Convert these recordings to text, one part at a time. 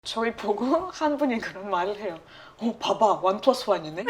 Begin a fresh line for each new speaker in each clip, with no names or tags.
저희 보고 한 분이 그런 말을 해요. 봐봐, 1+1이네?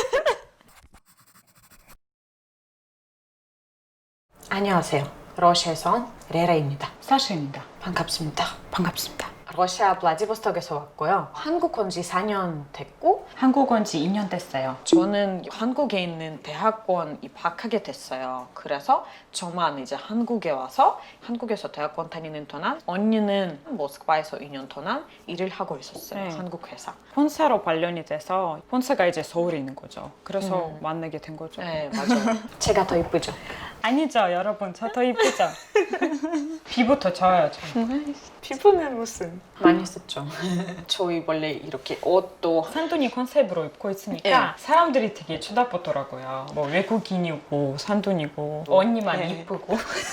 안녕하세요. 러시아에서 온 레라입니다.
사샤입니다.
반갑습니다.
반갑습니다.
러시아 블라디보스톡에서 왔고요. 한국 온 지 4년 됐고
한국 온 지 2년 됐어요.
저는 한국에 있는 대학원 입학하게 됐어요. 그래서 저만 이제 한국에 와서 한국에서 대학원 다니는 동안 언니는 모스크바에서 2년 동안 일을 하고 있었어요.
네.
한국 회사.
본사로 관련이 돼서 본사가 이제 서울에 있는 거죠. 그래서 만나게 된 거죠.
네, 맞아요. 제가 더 이쁘죠?
아니죠, 여러분. 저 더 이쁘죠? 피부터 좋아요, 저.
피부는 무슨? 많이 썼죠. 저희 원래 이렇게 옷도
산둥이 컨셉으로 입고 있으니까 사람들이 되게 쳐다보더라고요. 뭐 외국인이고 산둥이고 언니만
네.
이쁘고.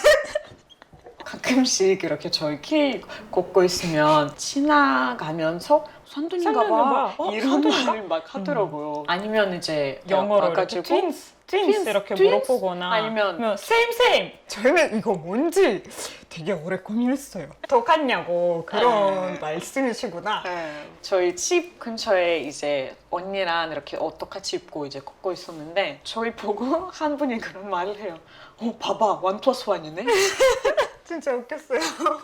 가끔씩 이렇게 저희 길 걷고 있으면 지나가면서 산둥인가 봐.
산둥인가 봐.
이런
산둥인가?
말을 막 하더라고요. 아니면 이제
영어로 이렇게
와가지고
트윈스 이렇게
트윈스?
물어보거나
아니면
same 저희는 이거 뭔지 되게 오래 고민했어요. 똑같냐고 그런 말씀이시구나.
저희 집 근처에 이제 언니랑 이렇게 옷 똑같이 입고 이제 걷고 있었는데 저희 보고 한 분이 그런 말을 해요. 봐봐, 1+1이네?
진짜 웃겼어요.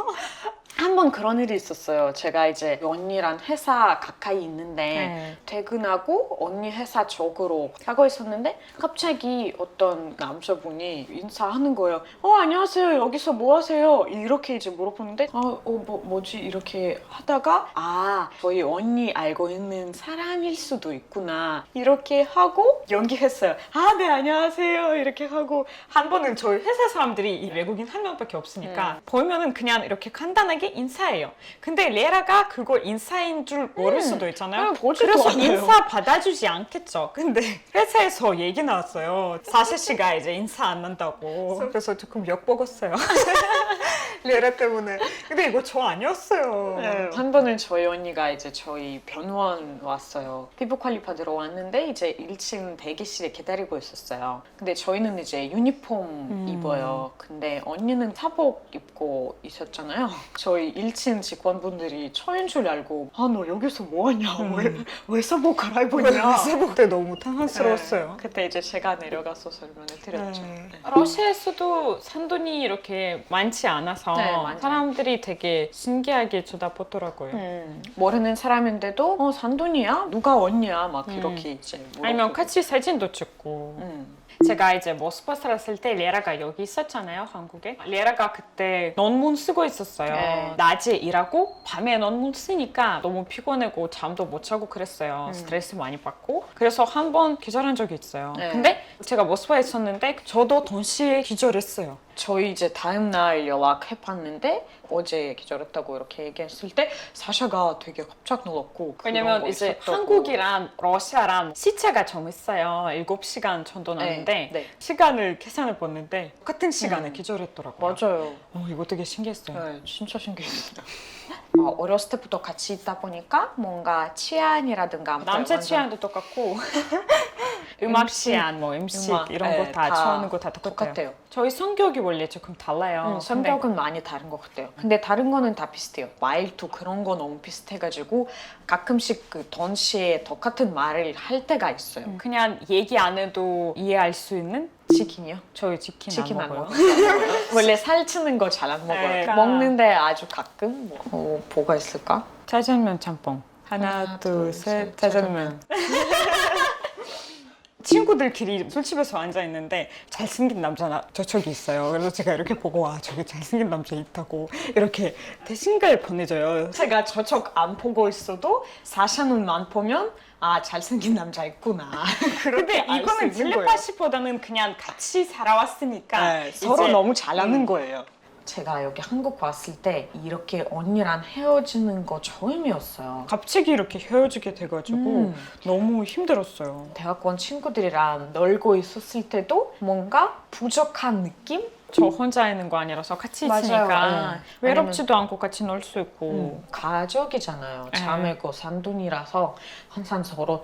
한 번 그런 일이 있었어요. 제가 이제 언니랑 회사 가까이 있는데 퇴근하고 언니 회사 쪽으로 가고 있었는데 갑자기 어떤 남자분이 인사하는 거예요. 안녕하세요. 여기서 뭐 하세요? 이렇게 이제 물어보는데 뭐지? 이렇게 하다가 저희 언니 알고 있는 사람일 수도 있구나. 이렇게 하고 연기했어요. 네, 안녕하세요. 이렇게 하고
한 번은 저희 회사 사람들이 이 외국인 한 명밖에 없으니까 보면은 그냥 이렇게 간단하게 인사해요. 근데 레라가 그걸 인사인 줄 모를 수도 있잖아요.
보지도
그래서
않아요.
인사 받아주지 않겠죠. 근데 회사에서 얘기 나왔어요. 사실 씨가 이제 인사 안 한다고. 그래서 조금 욕먹었어요. 레라 때문에. 근데 이거 저 아니었어요.
한 번은 저희 언니가 이제 저희 병원 왔어요. 피부 관리 받으러 왔는데 이제 1층 대기실에 기다리고 있었어요. 근데 저희는 이제 유니폼 입어요. 근데 언니는 사복 입고 있었잖아요. 저희 1층 직원분들이 저인 줄 알고 너 여기서 뭐하냐? 왜 사복 갈아입고 있냐?
사복 때 너무 당황스러웠어요.
그때 이제 제가 내려가서 설명을 드렸죠.
러시아에서도 산돈이 이렇게 많지 않아서
맞아요.
사람들이 되게 신기하게 쳐다보더라고요.
모르는 사람인데도 산돈이야? 누가 언니야? 막 이렇게 이제 물어보고.
아니면 같이 사진도 찍고. 제가 이제 모스크바 살았을 때 레라가 여기 있었잖아요, 한국에. 레라가 그때 논문 쓰고 있었어요. 낮에 일하고 밤에 논문 쓰니까 너무 피곤하고 잠도 못 자고 그랬어요. 스트레스 많이 받고. 그래서 한 번 기절한 적이 있어요. 근데 제가 모스크바에 있었는데 저도 동시에 기절했어요.
저희 이제 다음 날 연락해봤는데 어제 기절했다고 이렇게 얘기했을 때 사샤가 되게 깜짝 놀랐고
왜냐면 이제 한국이랑 러시아랑 시차가 좀 있어요. 7시간 정도 나는데 시간을 계산해 봤는데 똑같은 시간에 기절했더라고요.
맞아요.
이거 되게 신기했어요.
네, 진짜 신기했어요. 어렸을 때부터 같이 있다 보니까 뭔가 취향이라든가
남자 취향도 똑같고 음악 취향, 뭐 음식 이런 거 다 좋아하는 거 다 똑같아요. 저희 성격이 원래 조금 달라요.
성격은 많이 다른 것 같아요. 근데 다른 거는 다 비슷해요. 말도 그런 거 너무 비슷해가지고 가끔씩 그 동시에 똑같은 말을 할 때가 있어요.
그냥 얘기 안 해도 이해할 수 있는?
치킨이요?
저희 치킨 안 먹어요.
원래 살찌는 거 잘 안 먹어요.
그러니까.
먹는데 아주 가끔 뭐가 있을까?
짜장면 짬뽕. 하나, 둘, 셋, 짜장면. 친구들끼리 술집에서 앉아있는데 잘생긴 남자 저쪽이 있어요. 그래서 제가 이렇게 보고 저기 잘생긴 남자 있다고 이렇게 대신가를 보내줘요.
제가 저쪽 안 보고 있어도 사샤눈만 보면 잘생긴 남자 있구나.
근데 이거는 텔레파시보다는 그냥 같이 살아왔으니까
서로 너무 잘하는 거예요. 제가 여기 한국 왔을 때 이렇게 언니랑 헤어지는 거 처음이었어요.
갑자기 이렇게 헤어지게 돼가지고 너무 힘들었어요.
대학원 친구들이랑 놀고 있었을 때도 뭔가 부족한 느낌?
저 혼자 있는 거 아니라서 같이 있으니까 외롭지도 않고 같이 놀 수 있고.
가족이잖아요. 자매고 산둥이라서 항상 서로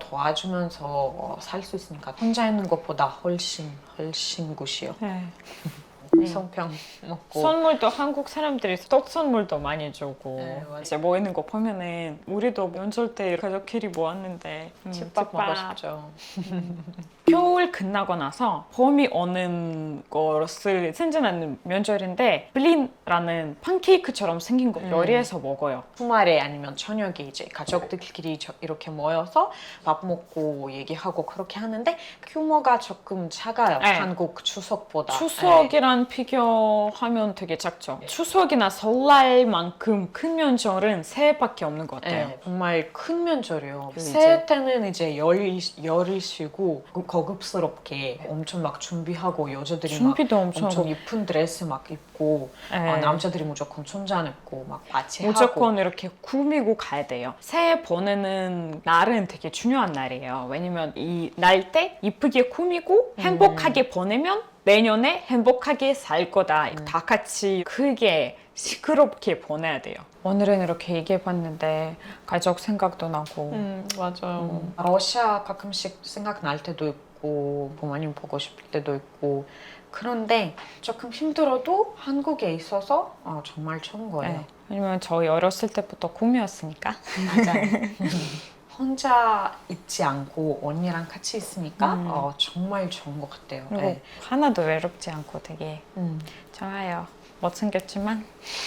도와주면서 살 수 있으니까 혼자 있는 것보다 훨씬 굿이요. 송편 먹고.
선물도 한국 사람들이 떡 선물도 많이 주고
네, 맞아요.
이제 모이는 거 보면은 우리도 명절 때 가족끼리 모았는데
집밥 먹고 싶죠.
겨울 끝나고 나서 봄이 오는 것을 생각하는 명절인데 블린라는 팬케이크처럼 생긴 거 요리해서 먹어요.
주말에 아니면 저녁에 이제 가족들끼리 이렇게 모여서 밥 먹고 얘기하고 그렇게 하는데 규모가 조금 작아요.
네.
한국 추석보다.
추석이랑 비교하면 되게 작죠. 추석이나 설날만큼 큰 명절은 새해밖에 없는 것 같아요.
네, 정말 큰 명절이에요.
그리고
새해 때는 이제 열을 쉬고 고급스럽게 엄청 막 준비하고 여자들이
준비도
막
엄청
엄청
하고.
이쁜 드레스 막 입고
네.
남자들이 무조건 춘장 입고 막 같이
무조건
하고.
이렇게 꾸미고 가야 돼요. 새해 보내는 날은 되게 중요한 날이에요. 왜냐면 이 날 때 이쁘게 꾸미고 행복하게 보내면 내년에 행복하게 살 거다. 다 같이 크게 시끄럽게 보내야 돼요. 오늘은 이렇게 얘기해봤는데 가족 생각도 나고
맞아요. 러시아 가끔씩 생각날 때도 있고 부모님 보고 싶을 때도 있고 그런데 조금 힘들어도 한국에 있어서 정말 좋은 거예요.
네. 왜냐면 저희 어렸을 때부터 꿈이었으니까.
맞아요. 혼자 있지 않고 언니랑 같이 있으니까 정말 좋은 것 같아요.
그리고
네.
하나도 외롭지 않고 되게 좋아요. 못생겼지만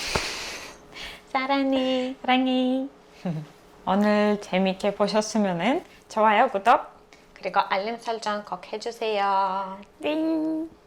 사랑해.
사랑해. 오늘 재밌게 보셨으면 좋아요, 구독,
그리고 알림 설정 꼭 해주세요.
띵.